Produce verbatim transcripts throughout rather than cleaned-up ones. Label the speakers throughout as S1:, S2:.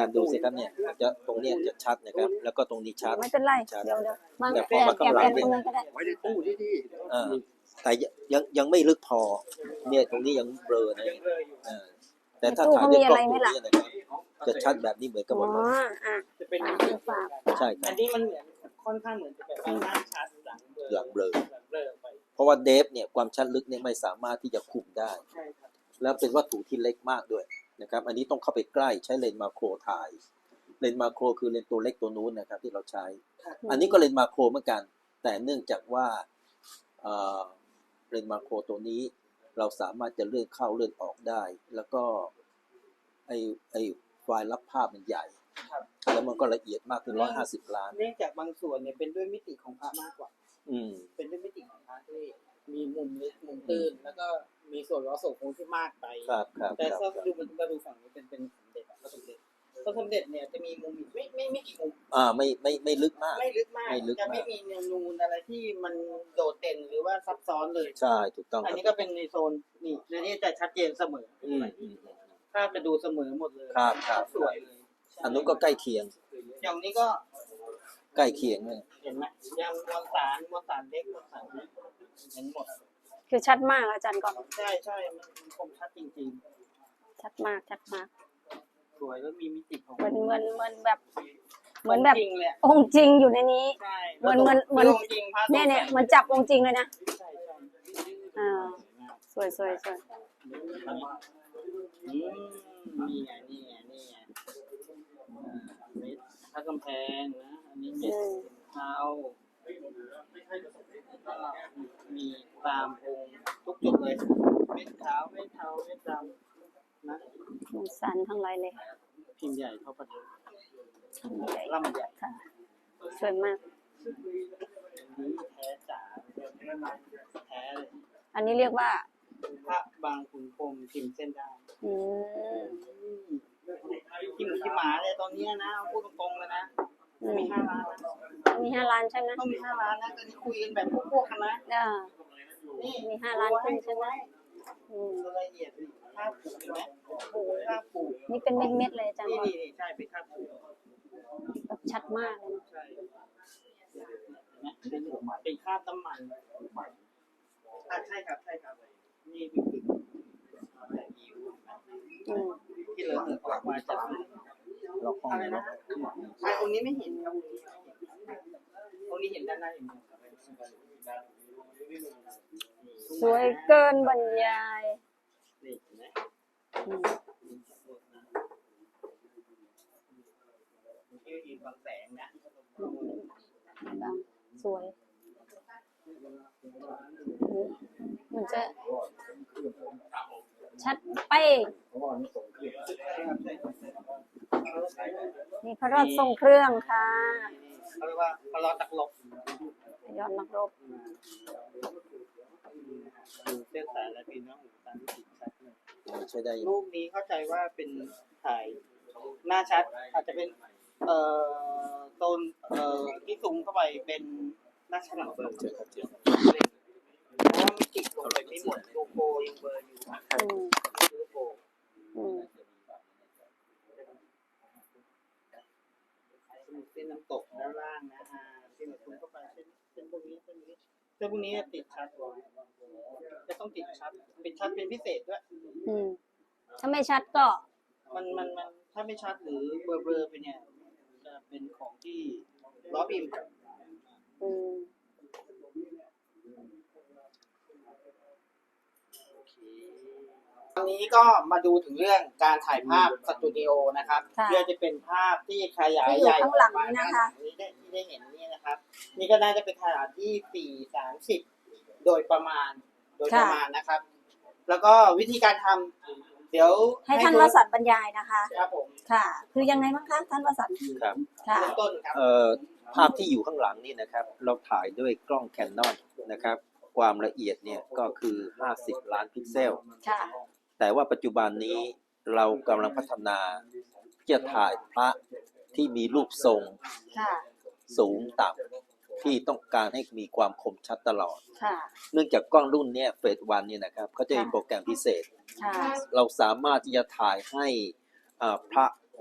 S1: จารย์ดูสิครับเนี่ยจะตรงเนี้ยจะชัดนะครับแล้วก็ตรงนี้ชัด
S2: ไม่เป็นไร
S1: ชัด
S2: เดี๋ยวเดี๋ยวมา
S1: แต่พ
S2: แอ
S1: อบ มา
S2: แอบ
S1: ข้างหลั
S2: แอง บ
S1: เนี่
S2: ตร
S1: ย
S2: งนั้นก็ได้
S3: ไว้ในตู้ที่ที่
S1: เออแต่ยังยังไม่ลึกพอเนี่ยตรงนี้ยังเบลอนะเออแต่ถ้าถ่ายด้วยกล้องตัวนี้นะครับจะชัดแบบนี้เหมือนกันหม
S2: อ๋
S1: ด
S2: อ
S1: เลย
S2: อ่ะ
S4: จะเป็น
S2: ฝากฝาก
S1: ใช่ครั
S4: อั
S1: บ
S4: นนี้มันเหมือนค่อนข้างเหมือนจะแบบหน้าชัดหลังเบลอ
S1: หลังเบลอ
S4: หลังเบลอไป
S1: เพราะว่าเดฟเนี่ยความชัดลึกเนี่ยไม่สามารถที่จะคุมได้
S4: ใช่ครับ
S1: แล้วเป็นวัตถุที่เล็กมากด้วยนะครับอันนี้ต้องเข้าไปใกล้ใช้เลนส์มาโครถ่ายเลนส์มาโครคือเลนส์ตัวเล็กตัวนู้นนะครับที่เราใช้ อันนี้ก็เลนส์มาโครเหมือนกันแต่เนื่องจากว่าเอ่อเลนส์มาโครตัวนี้เราสามารถจะเลื่อนเข้าเลื่อนออกได้ แล้วก็ไอไอไฟล์รับภาพมันใหญ่
S4: ครับ
S1: แล้วมันก็ละเอียดมากถึงร้อยห้าสิบล้าน
S4: เนื่องจากบางส่วนเนี่ยเป็นด้วยมิติของพระมากกว่า
S1: อืม
S4: เป็นด้วยมิติของพระที่มีมุมลึกมุมตื้นแล้วก็มีส่วนล้อส่วนโค้งที่มากไป
S1: ครับครับ
S4: แต่
S1: ครับ
S4: ถ้าดูมันมาดูฝั่งนี้เป็นเป็นสมเด็จพระสมเด็จพระสมเด็จเนี่ยจะมีมุมไม่ไม่ไม่กี่มุม
S1: อ่าไม่ไม่ไม่ลึกมาก
S4: ไม่ลึกมาก
S1: ไม่ลึกมาก
S4: จะไม่มีนูนอะไรที่มันโดดเด่นหรือว่าซับซ้อนเลย
S1: ใช่ถูกต้อง
S4: อัน
S1: ครับ
S4: นี้ก็เป็นในโซนนี่ในนี้จะชัดเจนเสมอ
S1: อืมอืม
S4: ภาพจะดูเสมอหมดเลย
S1: ครับครับ
S4: สวยเลย
S1: อันนู้นก็ใกล้เคียง
S4: อย่างนี้ก็
S1: ใกล้เคียงเลย
S4: เห็นไหมยังมวลสารมวลสารเล็กมวลสารเล็กเห็นหมด
S2: คือชัดมากอาจารย์ก่อน
S4: ใช่ใช่มันคมชัดจริง
S2: ชัดมากชัดมาก
S4: ๆ สวยแล้วมีมิติของ
S2: เหมือนเหมือนเหมือนแบบ เหมือนแบบ
S4: จริงเลย
S2: องค์จริงอยู่ในนี้
S4: ใช่
S2: เหมือนเหมือนเหมือน
S4: จริงพระ
S2: เนี่ยเนี่ยเหมือนจับองค์จริงเลยนะ
S4: ใช่ใช่
S2: อ่าสวยสวยสวย
S4: อืมนี่ไงนี่ไงนี่ไงอ่าเม็ดพระกำแพงนะอันนี้เม็ด
S2: อืม
S4: เท้าก็มีตามองค์ทุกจุดเลยเม็ดขาวเม็ดเทาเม็ดดำนะ
S2: มันสันทั้งหลายเลย
S4: พิมพ์ใหญ่เท่าประทัด
S2: ใหญ่
S4: ล่ำใหญ่
S2: ค่ะสวยมาก
S4: อันนี้แท้จ๋าแท้เลย
S2: อันนี้เรียกว่า
S4: พระบางขุนพรหมพิมพ์เส้นได้
S2: อืม
S4: ที่หมูที่หมาเลยตอนเนี้ยนะพูดตรงๆเลยนะ
S2: อืม
S4: มีห้าล้านนะ
S2: มีห้าล้านใช่ไหม
S4: ต้องมีห้าล้านนะตอนนี้คุยกันแบบพวกๆกันนะ
S2: อ่า
S4: นี่
S2: มีห้าล้านขึ้นใช่ไหมอืม
S4: รายละเอียดภาพผูกเห็นไหมผูกภาพผูก
S2: นี่เป็นเม็ดเม็ดๆเลยอาจารย์
S4: นี่
S2: ก่อน
S4: นี่นี่ใช่เป็นภาพผูก
S2: แบบชัดมากเลยนะ
S4: ใช่นะเป็นคราบน้ำมันอ่ะใช่ครับใช่ครับนี่คือแต่ยิ้ว
S2: อืม
S4: ที่เหลือออกมาจาก
S1: เราห้อง
S4: อะไร
S1: นี้
S4: นะใช่องค์นี้ไม่เห็นครับองค์นี้เห็นด้านหน้าอย่างเดียว
S2: สวยเกินบรรยาย
S4: นี่เห็นไหม
S2: อืม
S4: ที่ยืนบางแสงนะ
S2: บางสวยอืมมันจะชัดไปงนี่พระรอดทรงเครื่องค่ะ
S4: เขาเรียกว่าพระรอดตักลบ
S2: ยอดนักรบ
S4: ดูเส้นสายและปีน้องหูตามที่ติดชัดเลย
S1: ใช้ได้อยู่
S4: รูปนี้เข้าใจว่าเป็นถ่ายหน้าชัด อาจจะเป็นเอ่อโซนเอ่อที่สูงเข้าไปเป็นหน้าชัดหลังเบอร์
S1: เจอครับเจอ
S4: เพราะว่ามิติลงไปไม่หมดโลโก้ยังเบอร์อยู่
S2: อืม
S4: โลโก้
S2: อืม
S4: เส้นน้ำตกด้านล่างนะอ่าเส้นสูงเข้าไปเส้นเส้นพวกนี้เส้นนี้เส้นพวกนี้ติดชัดจะต้องติดชัดติดชัดเป็นพิเศษด้วย
S2: อืมถ้าไม่ชัดก็
S4: มันมันมันถ้าไม่ชัดหรือเบลอเบลอไปเนี่ยจะเป็นของที่ล้อบิม
S2: อืม
S4: ตอนนี้ก็มาดูถึงเรื่องการถ่ายภาพสตูดิโอนะครับ
S2: ค่ะ
S4: เพื่อจะเป็นภาพที่ขยาย
S2: ที่อยู่
S4: ใหญ่
S2: ข้างหลังนี้นะคะ
S4: ที่ได้ที่ได้เห็นนี่นะครับ นี่ก็น่าจะเป็นขนาดที่สี่สามสิบโดยประมาณโดยประมาณนะครับ แล้วก็วิธีการทำเดี๋ยว
S2: ให้ท่านวสันต์บรรยายนะคะ
S4: ครับผม
S2: ค่ะ คือยังไงบ้างคะท่านวสันต์
S1: ครับ
S2: ค่ะ
S4: เริ่มต้นครับ
S1: เอ่อภาพที่อยู่ข้างหลังนี่นะครับ เราถ่ายด้วยกล้อง Canon นะครับ ความละเอียดเนี่ยก็คือห้าสิบล้านพิกเซล
S2: ค่ะ
S1: แต่ว่าปัจจุบันนี้เรากำลังพัฒนาที่จะถ่ายพระที่มีรูปทรง
S2: ค่ะ
S1: สูงต่ำที่ต้องการให้มีความคมชัดตลอด
S2: ค่ะ
S1: เนื่องจากกล้องรุ่นเนี้ยเฟสวันเนี่ยนะครับเขาจะมีโปรแกรมพิเศษ
S2: ค่ะ
S1: เราสามารถที่จะถ่ายให้อ่าพระ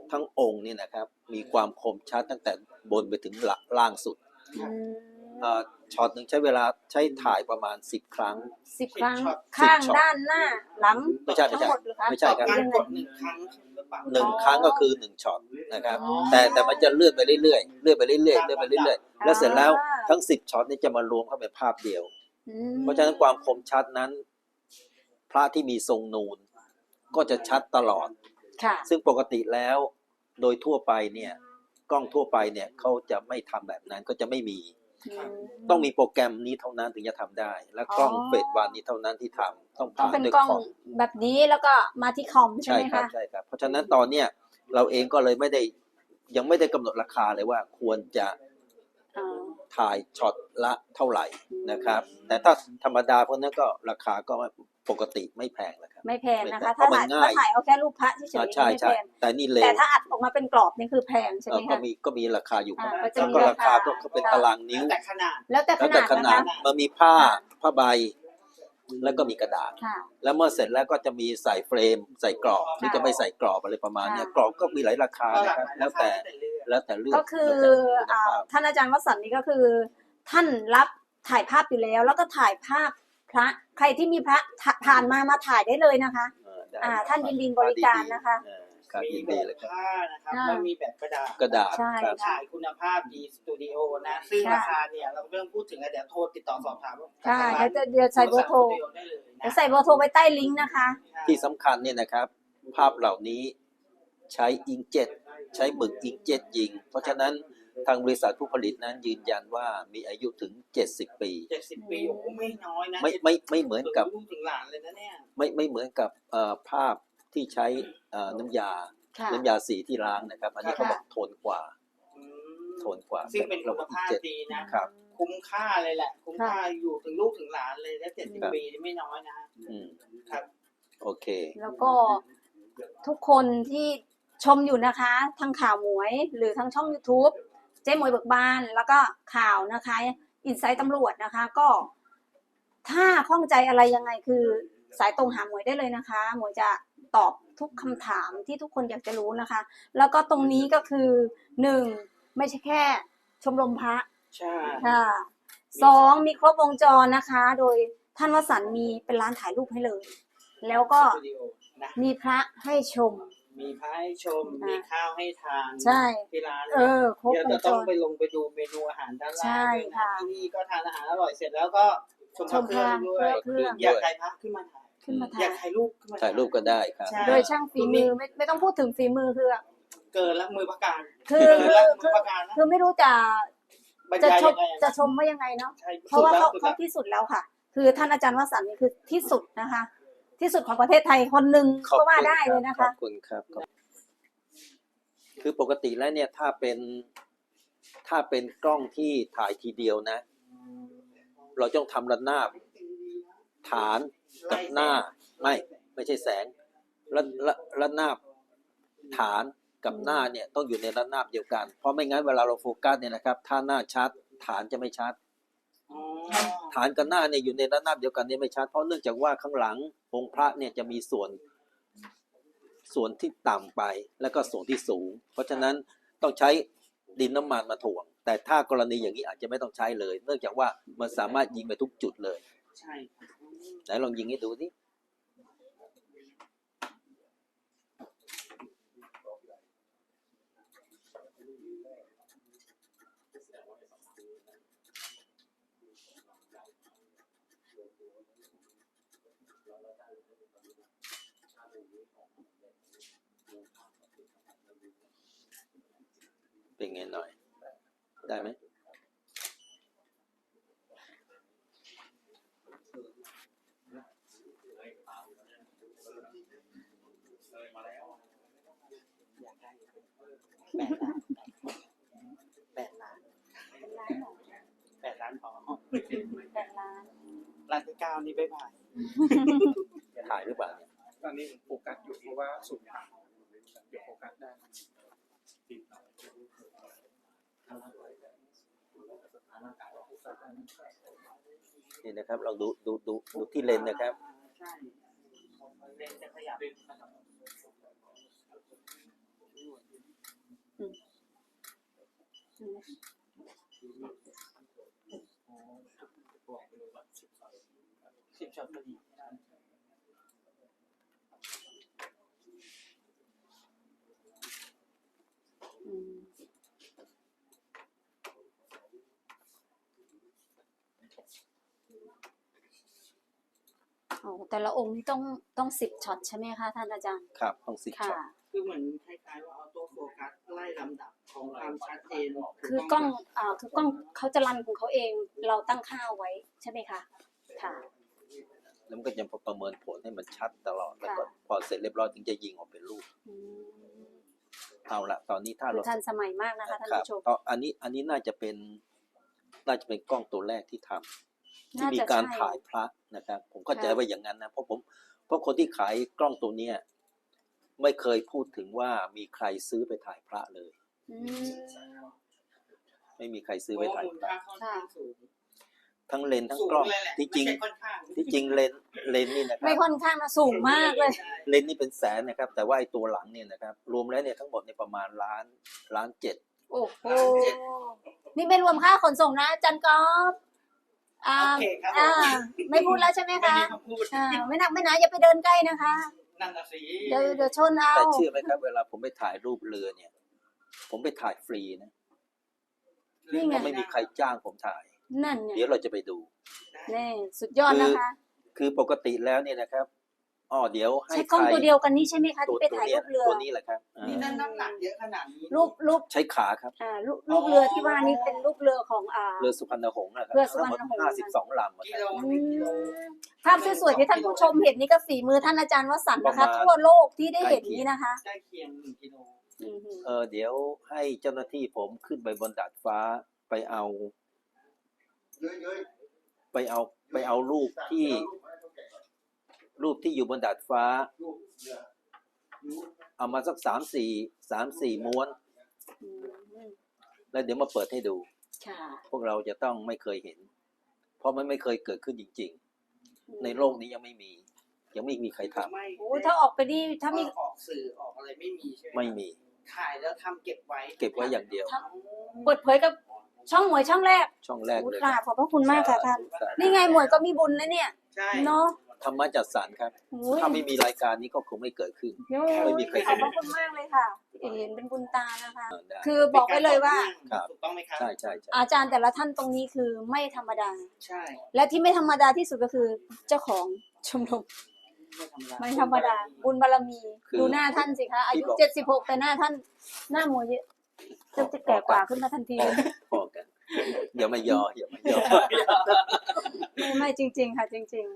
S1: ทั้งองค์เนี่ยนะครับมีความคมชัดตั้งแต่บนไปถึงหลังล่างสุด
S2: อืม
S1: เอ่อช็อตหนึ่งใช้เวลาใช้ถ่ายประมาณสิบครั้ง
S2: สิบครั้ง
S4: ช็อต
S2: ข้าง
S1: สิบช็อต
S2: ด้านหน้าหลัง
S1: ไม่ใช่ไม่
S2: ทั้ง
S1: ใช่
S2: หมดเหรือคะ
S1: ไม่ใช่ครับ
S4: การ
S2: ยังไง
S4: กดหนึ่งครั้งหรือเปล่า
S1: หนึ่งครั้งก็คือหนึ่งช็อตนะครับ
S2: อ๋อ
S1: แต่แต่มันจะเลื่อนไปเรื่อยๆเลื่อนไปเรื่อยๆเลื่อนไปเรื่อยๆแล้วเสร็จแล้วทั้งสิบช็อตนี้จะมารวมเข้าเป็นภาพเดียว
S2: อืม
S1: เพราะฉะนั้นความคมชัดนั้น พระที่มีทรงนูนก็จะชัดตลอด
S2: ค่ะ
S1: ซึ่งปกติแล้วโดยทั่วไปเนี่ยกล้องทั่วไปเนี่ยเขาจะไม่ทำแบบนั้นก็จะไม่มี ต้องมีโปรแกรมนี้เท่านั้นถึงจะทำได้ และกล้อง
S2: อ๋อ
S1: เฟสวันนี้เท่านั้นที่ทำต้อง
S2: ต้อง
S1: ผ่าน
S2: เป็น
S1: ด้วย
S2: กล้อง
S1: คอม
S2: แบบนี้แล้วก็มาที่คอมใช่
S1: ใช่
S2: ไหม
S1: ครับ
S2: คะ
S1: ใช่ครับเพราะฉะนั้นตอนเนี้ยเราเองก็เลยไม่ได้ยังไม่ได้กำหนดราคาเลยว่าควรจะ
S2: อ่า
S1: ถ่ายช็อตละเท่าไหร่นะครับ แต่ถ้าธรรมดาพวกนั้นก็ราคาก็ปกติไม่แพงนะครับ
S2: ไม่แพงนะคะ
S1: เพ
S2: ถ้า
S1: ราะมัน
S2: ถ่าย
S1: ง่าย
S2: ถ้าถ่ายเอาแค่รูปพระเฉย
S1: อ่า
S2: ๆ
S1: ใช่
S2: ไม่
S1: ใช่
S2: แพง
S1: แต่นี่เร็
S2: แต่
S1: ว
S2: ถ้าอัดออกมาเป็นกรอบนี่คือแพงใช่
S1: เอ
S2: ไหม
S1: อก็
S2: คะ
S1: มีก็มีราคาอยู่
S2: อ่า
S1: บ้าง
S2: ก็จะ
S1: แล้ว
S2: มี
S1: ก็
S2: รา
S1: รา
S2: คา
S1: คาก็ก็เป็น
S2: ค่ะ
S1: ตารางนิ้ว
S4: แต่ขนาด
S2: แล้วแต่ข
S1: แล้ว
S2: นา
S1: แต่
S2: ด
S1: ข
S2: นะ
S1: นาด
S2: คะ
S1: มันมีผ้าผ้าใบ แล้วก็มีกระดาษ
S2: ค่ะ
S1: แล้วเมื่อเสร็จแล้วก็จะมีใส่เฟรม ใส่กรอบหรือจะไม่ใส่กรอบอะไรประมาณเนี้ย
S2: ค่ะ
S1: กรอบก็มีหลายราคา
S4: ก็หลา
S1: นะ
S4: ก
S1: ครับ
S4: หลาย
S1: แล้วแต่
S4: ราคาแล้วแต่เลือก
S1: แล้วแต่เลือก
S2: ก็คือ
S1: แล้วแต่
S2: อ่า
S1: คุณภาพ
S2: ท่านอาจารย์วสันต์นี่ก็คือ ท่านรับถ่ายภาพอยู่แล้ว แล้วก็ถ่ายภาพพระใครที่มีพระถ่าผ่านมามาถ่ายได้เลยนะคะ
S1: เออได้
S2: อ่าท่านยินดีบริการนะคะ
S1: เออครับ
S4: มี
S1: ยิน
S4: แบ
S1: ดี
S4: บ
S1: เลยครับ
S4: ผ้านะครับ
S2: อ่า
S4: แล้วมีแบบกระดาษ
S1: กระดาษ
S2: ใช่
S1: ครับ
S2: ค่ะ
S4: ถ่ายคุณภาพดีสตูดิโอนะ ซึ่ง
S2: ค่ะ
S4: ราคาเนี่ยเราไม่ต้องพูดถึงแล้วเดี๋ยวโทรติดต่อสอบถาม
S2: ใช่เดี๋ยวจะเดี๋ยวใส่เบอร์โทร
S4: ได้เลยนะ
S2: เดี๋ยวใส่เบอร์โทรไว้ใต้ลิงก์นะคะ
S1: ที่สำคัญเนี่ยนะครับ ภาพเหล่านี้ใช้อิงเจ็ตใช้หมึกอิงเจ็ตยิง เพราะฉะนั้นทางบริษัทผู้ผลิตนั้นยืนยันว่ามีอายุถึงเจ็ดสิบปี
S4: เจ็ดสิบปีโอ้โหไม่น้อยนะ
S1: ไม่ไม่ไม่เหมือนกับ
S4: ถึงลูกถึงหลานเลยนะเนี่ย
S1: ไม่ไม่เหมือนกับเอ่อภาพที่ใช้เอ่อน้ำยา
S2: ค่ะ
S1: น้ำยาสีที่ล้างนะครับ อันนี้
S4: ค่ะ
S1: เขาบอกทนกว่า
S4: อืม
S1: ทนกว่า
S4: ซึ่งเป็นคุณ
S1: ระบบ
S4: ภาพ
S1: เจ็ด
S4: ดีนะ
S1: ครับ
S4: คุ้มค่าเลยแหละ คุ้มค่าอยู่ถึงลูกถึงหลานเลยแล้วเจ็ดสิบ
S1: ครับ
S4: ปีนี่ไม่น้อยนะ
S1: อืม
S4: ครับ
S1: โอเค
S2: แล้วก็ทุกคนที่ชมอยู่นะคะทางข่าวหมวย หรือทางช่อง YouTube เจ๊หมวยเบิกบานแล้วก็ข่าวนะคะอินไซต์ตำรวจนะคะ ก็ถ้าข้องใจอะไรยังไงคือสายตรงหาหมวยได้เลยนะคะ หมวยจะตอบทุกคำถามที่ทุกคนอยากจะรู้นะคะ แล้วก็ตรงนี้ก็คือหนึ่งไม่ใช่แค่ชมรมพระ
S4: ใช่
S2: ค่ะสองมีครบวงจรนะคะ โดยท่านวสันต์มีเป็นร้านถ่ายรูปให้เลย แล้วก็
S4: สตูดิโอนะ
S2: มีพระให้ชม
S4: มีพระให้ชม
S2: อ่ามี
S4: มีข้าวให้ทาน
S2: ใช่
S4: ที่ร้าน
S2: เออครบ
S4: เดี๋ยว
S2: ว
S4: จะ
S2: งจ
S4: ต้อง
S2: ร
S4: ไปลงไปดูเมนูอาหารด้านล่าง
S2: ใช่
S4: ด้วยนะ
S2: ค่ะ
S4: ที่นี่ก็ทานอาหารอร่อยเสร็จแล้วก็ชมพระเครื่องด้วย
S2: เครื่อง
S4: อยากถ่ายพระขึ้นมาถ่าย
S2: ขึ้นมา
S4: อยา
S2: ถ่าก ย
S4: ถ่ายรูปขึ้นมา
S1: ถ่ายรูปก็ได้ครับ
S4: ใช่
S2: โดยช่างฝีมือไม่ไม่ต้องพูดถึงฝีมือคือ
S4: เกินละมือประการ
S2: คือ
S4: เกินละมื
S2: คือ
S4: อประการนะ
S2: คือไม่รู้จะ
S4: บรร
S2: จะ
S4: ยาย
S2: ช
S4: ยั
S2: ม
S4: งไง
S2: จะชมว่ายังไงเนาะ
S4: ใช่
S2: เพราะว่าเขา
S4: สุด
S2: เขา
S4: แล้ว
S2: ที่สุดแล้วค่ะ คือท่านอาจารย์วสันต์นี่คือที่สุดนะคะ ที่สุดของประเทศไทยคนหนึ่ง
S1: ขอบ
S2: ก็
S1: คุณ
S2: ว่าได้
S1: ค
S2: เล
S1: รับ
S2: ยนะ
S1: ขอ
S2: คะ
S1: บคุณครับขอบคือปกติแล้วเนี่ยถ้าเป็นถ้าเป็นกล้องที่ถ่ายทีเดียวนะ เราต้องทำระนาบฐานกับหน้าไม่ไม่ใช่แสงระระระนาบฐานกับหน้าเนี่ยต้องอยู่ในระนาบเดียวกัน เพราะไม่งั้นเวลาเราโฟกัสเนี่ยนะครับถ้าหน้าชัดฐานจะไม่ชัด
S4: อ๋อ
S1: ฐานกับหน้าเนี่ยอยู่ในระนาบเดียวกันเนี่ยไม่ชัดเพราะเนื่องจากว่าข้างหลังองค์พระเนี่ยจะมีส่วนส่วนที่ต่ำไปแล้วก็ส่วนที่สูง เพราะฉะนั้นต้องใช้ดินน้ำมันมาถ่วง แต่ถ้ากรณีอย่างนี้อาจจะไม่ต้องใช้เลย เนื่องจากว่ามันสามารถยิงไปทุกจุดเลย
S4: ใช่
S1: ไหนลองยิงให้ดูสิเป็นไงหน่อย ได้ไหม
S4: แปดล้านแปดล้านพอ
S2: แปดล้าน
S4: ล้านที่เก้านี่บ๊ายบาย
S1: ถ่ายหรือเปล่าเนี่ย
S3: ตอนนี้โฟกัสอยู่เพราะว่าสูงต่ำเดี๋ยวโฟกัสได้
S1: นี่นะครับเราดูดูดูดูที่เลนส์นะครับ
S4: ใช่เลนส์จะขยับ
S2: อืม
S4: สิบช็อตพอดี
S2: อืมโอ้แต่ละองค์นี่ต้องต้องสิบช็อตใช่ไหมคะท่านอาจารย์
S1: ครับต้องสิบ
S2: ค่ะ
S1: ช็อต
S4: คือเหมือนคล้ายๆว่าออโต้โฟกัสไล่ลำดับของความชัดเจน
S2: คือกล้องอ่าคือกล้องเขาจะรันของเขาเอง เราตั้งค่าไว้ใช่ไหมคะ ค่ะ
S1: แล้วมันก็จะประเมินผลให้มันชัดตลอดแล้วก็
S2: ค่ะ
S1: พอเสร็จเรียบร้อยถึงจะยิงออกเป็นรูป
S2: อืม
S1: เอาละตอนนี้ถ้า
S2: คือ
S1: เรา
S2: ทันสมัยมากนะคะท่าน
S1: ครับ
S2: ผู้ชม
S1: ตอนอันนี้อันนี้น่าจะเป็นน่าจะเป็นกล้องตัวแรกที่ทำที่
S2: น่า
S1: มี
S2: จะ
S1: การ
S2: ใช่
S1: ถ่ายพระนะครับ ผมเข้าใจ
S2: ค่ะ
S1: ว่าอย่างนั้นนะเพราะผมเพราะคนที่ขายกล้องตัวเนี้ยไม่เคยพูดถึงว่ามีใครซื้อไปถ่ายพระเลย
S2: อืม
S1: ไม่มีใครซื้อ
S4: เพ
S1: ไป
S4: ราะว่า
S1: ถ่าย
S4: มูล
S1: พระ
S4: ค่าค่อนข้างสูง
S1: ทั้งเลนส์ทั้ง
S4: สูง
S1: กล้อง
S4: เลยแหละ
S1: ที่จริง
S4: ไม่ใช่ค่อนข้าง
S1: ที่จริงเลนส์เลนส์นี่นะครั
S2: ไม่
S1: บ
S2: ค่อนข้างนะสูงมากเลย
S4: ใช่
S1: เลนส์นี่เป็นแสนนะครับ แต่ว่าไอ้ตัวหลังเนี่ยนะครับ รวมแล้วเนี่ยทั้งหมดในยประมาณล้านล้านเจ็ด
S2: โอ้โห นี่ไม่รวมค่าขนส่งนะอาจันกอฟอ่า
S4: โอเคครับ
S2: อ่า ไม่พูดแล้วใช่ไหม
S4: ไม่
S2: คะ
S4: มีคำพูด
S2: อ่า ไม่หนักไม่หนาอย่าไปเดินใกล้นะคะ
S4: นั่นน่ะสิ
S2: เดี๋ยวเดี๋ยวชนเอา
S1: แต่เชื่อไหมครับเวลาผมไปถ่ายรูปเรือเนี่ย ผมไปถ่ายฟรีนะ
S2: นี่ไง
S1: ไม่มีใครจ้างผมถ่าย
S2: นั่นไง
S1: เดี๋ยวเราจะไปดู
S2: แน่สุดยอดนะคะ
S1: คือปกติแล้วเนี่ยนะครับอ๋อเดี๋ยวให้
S2: ใช้กล้อง
S1: ใคร
S2: ตัวเดียวกันนี่ใช่ไหมคะ
S1: ตัว
S2: ที่ไป
S1: ตัว
S2: ถ่าย
S1: เนี้
S2: รู
S1: ย
S2: ปเรือ
S1: ตัวนี้แหละครับอ่า
S4: นี่นั่นน้ำหนักเยอะขนาดนี้
S2: รูปรูป
S1: ใช้ขาครับ
S2: อ่ารูปรูปเรือที่ว่านี่เป็นรูปเรือของอ่า
S1: เรือสุพรรณหงส์นะครับ
S2: เรือสุพรรณหงส์
S1: ทั้งหมดห้าสิบสองลำอะ
S4: กิ
S1: ค
S4: โล
S1: รับ
S4: หนึ่งกิโล
S2: ภาพสวยๆที่ท่านผู้ชมเห็นนี่ก็ฝีมือท่านอาจารย์วสันต์นะคะ
S1: ประมาณ
S2: ทั่วโลกที่ได้เห็นนี้นะคะ
S4: ใกล้เคียงหนึ่งกิโล
S2: อือหือ
S1: เออเดี๋ยวให้เจ้าหน้าที่ผมขึ้นไปบนดาดฟ้าไปเอา ไปเอาไปเอารูปที่รูปที่อยู่บนดาดฟ้า เอามาสักสามสี่สามสี่ม้วน
S2: อืม
S1: แล้วเดี๋ยวมาเปิดให้ดู
S2: ค่ะ
S1: พวกเราจะต้องไม่เคยเห็น เพราะมันไม่เคยเกิดขึ้นจริง ๆ ในโลกนี้ยังไม่มี ยังไม่มีใครทำ
S4: ไม่
S2: โอ้ถ้าออกไปนี่ถ้ามี
S4: ออกสื่อออกอะไรไม่มีใช่ไหม
S1: ไม่มี
S4: ถ่ายแล้วทำเก็บไว้
S1: เก็บไว้อย่างเดียว
S2: เปิดเผยกับช่องหมวยช่องแรก
S1: ช่องแรก
S2: โอ้
S1: เลย
S2: ค่ะขอบพระคุณมากค่ะท่าน
S1: สาธุ
S2: นี่ไงหมวยก็มีบุญนะเนี่ย
S4: ใช่
S2: เนาะ
S1: ธรรมะจัดสรรครับ
S2: โอ้ย
S1: ถ้าไม่มีรายการนี้ก็คงไม่เกิดขึ้น
S2: โอ้ย
S1: ไม่มีใคร
S2: ขอบพระคุณมากเลยค่ะ เห็นเป็นบุญตานะคะ
S1: เออได้
S2: คือบอกไว้เลยว่า
S1: ครับ
S4: ถูกต้องไหมครับ
S1: ใช่ใช่ใช่
S2: อาจารย์แต่ละท่านตรงนี้คือไม่ธรรมดา
S4: ใช่
S2: และที่ไม่ธรรมดาที่สุดก็คือเจ้าของชมรม
S4: ไม่ธรรมดา
S2: ไม่ธรรมดา บุญบารมี
S1: คือ
S2: ดูหน้าท่านสิคะ อายุ
S1: ที่บอก
S2: เจ็ดสิบหกแต่หน้าท่าน หน้าหมวยเยอะจะจะแก่กว่าขึ้นมาทันที
S1: พอกันอย่ามาย่ออย่ามาย่อ
S2: ไม่ไม่จริง ๆ ค่ะ จริง ๆ